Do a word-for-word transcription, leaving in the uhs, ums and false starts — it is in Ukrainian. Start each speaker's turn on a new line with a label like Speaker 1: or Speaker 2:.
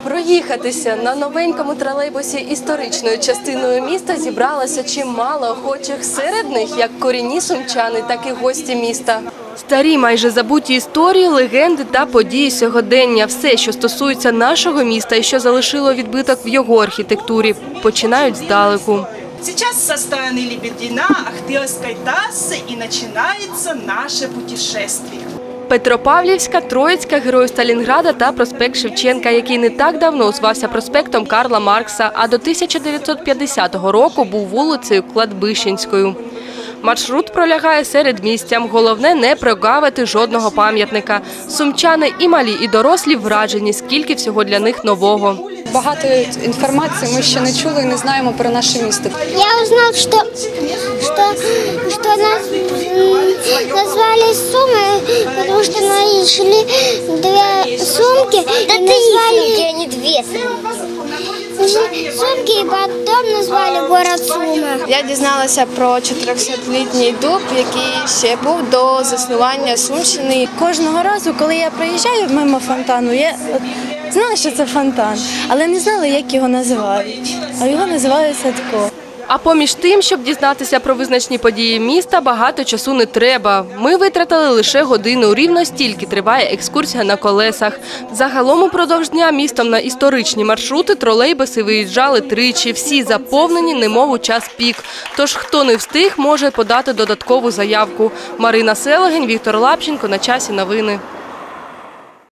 Speaker 1: Проїхатися на новенькому тролейбусі історичною частиною міста зібралося чимало охочих. Серед них як корінні сумчани, так і гості міста. Старі майже забуті історії, легенди та події сьогодення. Все, що стосується нашого міста і що залишило відбиток в його архітектурі, починають здалеку.
Speaker 2: Сейчас со стороны Лебедина, Ахтырской трассы и начинается наше путешествие.
Speaker 1: Петропавлівська, Троїцька, Героїв Сталінграда та проспект Шевченка, який не так давно звався проспектом Карла Маркса, а до тисяча дев'ятсот п'ятдесятого року був вулицею Кладбищенською. Маршрут пролягає середмістям. Головне – не прогавити жодного пам'ятника. Сумчани і малі, і дорослі вражені, скільки всього для них нового.
Speaker 3: Багато інформації ми ще не чули і не знаємо про наше місто.
Speaker 4: Я узнав, що, що, що нас назвали Сумы, тому що знайшли дві сумки і назвали... а не дві сумки, і потім назвали город Суми.
Speaker 5: Я дізналася про чотирьохсотлітній дуб, який ще був до заснування Сумщини.
Speaker 6: Кожного разу, коли я проїжджаю мимо фонтану, я знала, що це фонтан, але не знала, як його називають. А його називають Садко.
Speaker 1: А поміж тим, щоб дізнатися про визначні події міста, багато часу не треба. Ми витратили лише годину. Рівно стільки триває екскурсія на колесах. Загалом упродовж дня містом на історичні маршрути тролейбуси виїжджали тричі. Всі заповнені, немов у час пік. Тож хто не встиг, може подати додаткову заявку. Марина Селегень, Віктор Лапченко. На часі новини.